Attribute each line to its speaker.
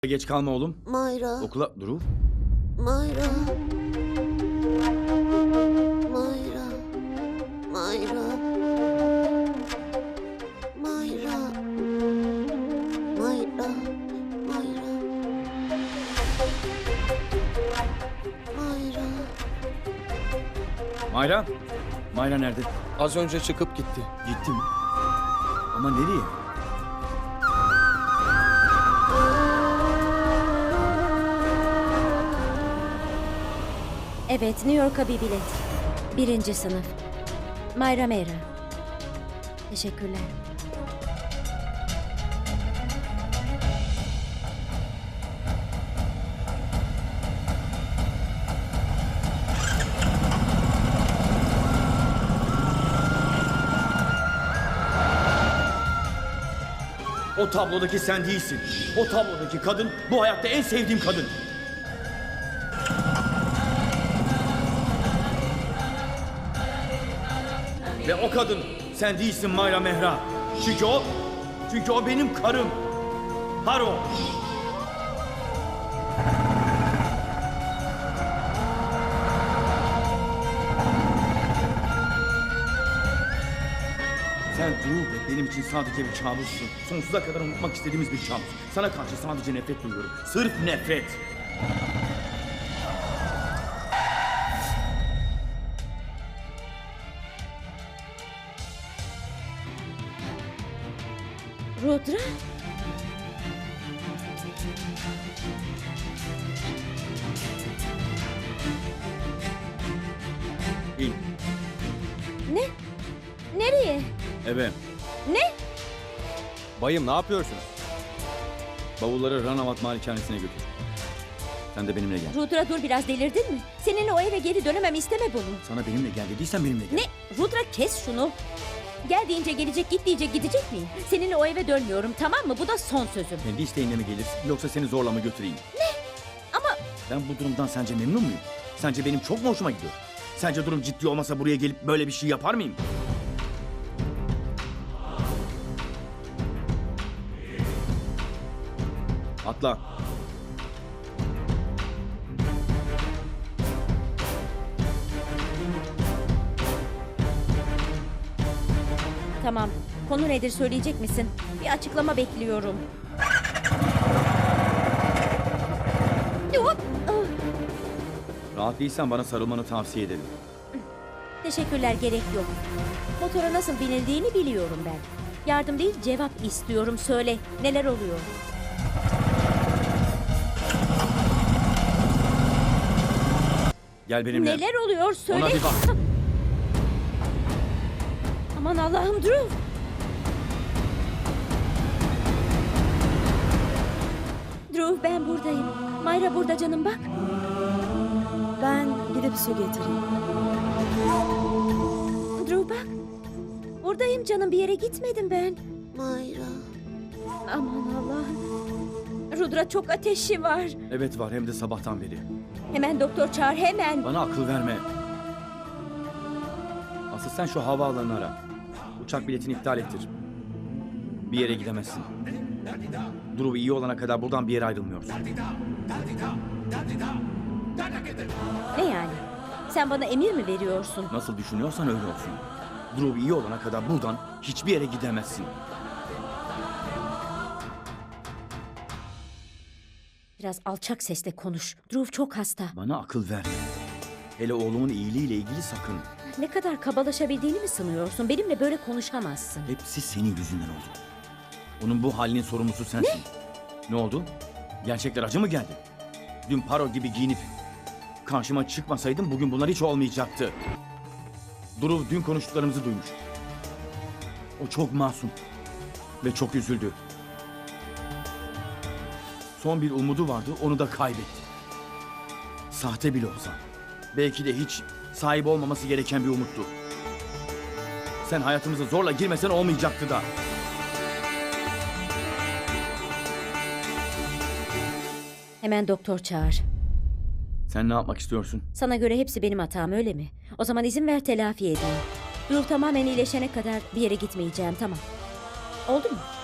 Speaker 1: Geç kalma oğlum.
Speaker 2: Mayra.
Speaker 1: Okula... Duru.
Speaker 2: Mayra. Mayra. Mayra. Mayra. Mayra. Mayra. Mayra.
Speaker 1: Mayra. Mayra nerede?
Speaker 3: Az önce çıkıp gitti.
Speaker 1: Gitti mi? Ama nereye?
Speaker 4: Evet, New York'a bir bilet. 1. sınıf. Mayra Mera. Teşekkürler.
Speaker 1: O tablodaki sen değilsin. O tablodaki kadın bu hayatta en sevdiğim kadın. Ve o kadın sen değilsin Mayra Mehra. Çünkü o benim karım. Haro. Sen Duru ve benim için sadece bir kabussun. Sonsuza kadar unutmak istediğimiz bir kabus. Sana karşı sadece nefret duyuyorum. Sırf nefret.
Speaker 4: Rudra?
Speaker 1: İn.
Speaker 4: Ne? Nereye?
Speaker 1: Eve.
Speaker 4: Ne?
Speaker 3: Bayım ne yapıyorsunuz?
Speaker 1: Bavulları Ranavat malikanesine götür. Sen de benimle gel.
Speaker 4: Rudra dur biraz delirdin mi? Seninle o eve geri dönemem isteme bunu.
Speaker 1: Sana benimle gel dediysen benimle gel.
Speaker 4: Ne? Rudra kes şunu. Gel deyince gelecek, git diyecek gidecek miyim? Seninle o eve dönmüyorum, tamam mı? Bu da son sözüm.
Speaker 1: Kendi isteğinle mi gelir yoksa seni zorla mı götüreyim?
Speaker 4: Ama
Speaker 1: Ben bu durumdan sence memnun muyum? Sence benim çok mu hoşuma gidiyor? Sence durum ciddi olmasa buraya gelip böyle bir şey yapar mıyım? Atla.
Speaker 4: tamam. Konu nedir söyleyecek misin? Bir açıklama bekliyorum. Hop! Ah,
Speaker 1: Rahat değilsen bana sarılmanı tavsiye ederim.
Speaker 4: teşekkürler, gerek yok. Motora nasıl binildiğini biliyorum ben. Yardım değil, cevap istiyorum. Söyle, neler oluyor?
Speaker 1: Gel benimle.
Speaker 4: Neler oluyor? Söyle.
Speaker 1: Ona bir bak.
Speaker 4: Aman Allah'ım, Drew. Drew, ben buradayım. Mayra burada canım, bak.
Speaker 5: Ben gidip su getireyim.
Speaker 4: Drew bak. Buradayım canım, bir yere gitmedim ben.
Speaker 2: Mayra.
Speaker 4: Aman Allah'ım. Rudra çok ateşi var.
Speaker 1: Evet var, hem de sabahtan beri.
Speaker 4: Hemen doktor çağır, hemen.
Speaker 1: Bana akıl verme. Asıl sen şu havaalanını ara. Uçak biletini iptal ettir. Bir yere gidemezsin. Duru iyi olana kadar buradan bir yere ayrılmıyorsun.
Speaker 4: Ne yani? Sen bana emir mi veriyorsun?
Speaker 1: Nasıl düşünüyorsan öyle olsun. Duru iyi olana kadar buradan hiçbir yere gidemezsin.
Speaker 4: Biraz alçak sesle konuş. Drew çok hasta.
Speaker 1: Bana akıl verme. Hele oğlumun iyiliğiyle ilgili sakın.
Speaker 4: Ne kadar kabalaşabildiğini mi sanıyorsun? Benimle böyle konuşamazsın.
Speaker 1: Hepsi senin yüzünden oldu. Onun bu halinin sorumlusu sensin. Ne oldu? Gerçekler acı mı geldi? Dün paro gibi giyinip karşıma çıkmasaydın bugün bunlar hiç olmayacaktı. Duru dün konuştuklarımızı duymuş. O çok masum ve çok üzüldü. Son bir umudu vardı, onu da kaybetti. Sahte bile olsa. Belki de hiç sahip olmaması gereken bir umuttu. Sen hayatımıza zorla girmesen olmayacaktı da.
Speaker 4: Hemen doktor çağır.
Speaker 1: Sen ne yapmak istiyorsun?
Speaker 4: Sana göre hepsi benim hatam, öyle mi? O zaman izin ver telafi edeyim. Drew tamamen iyileşene kadar bir yere gitmeyeceğim, tamam. Oldu mu?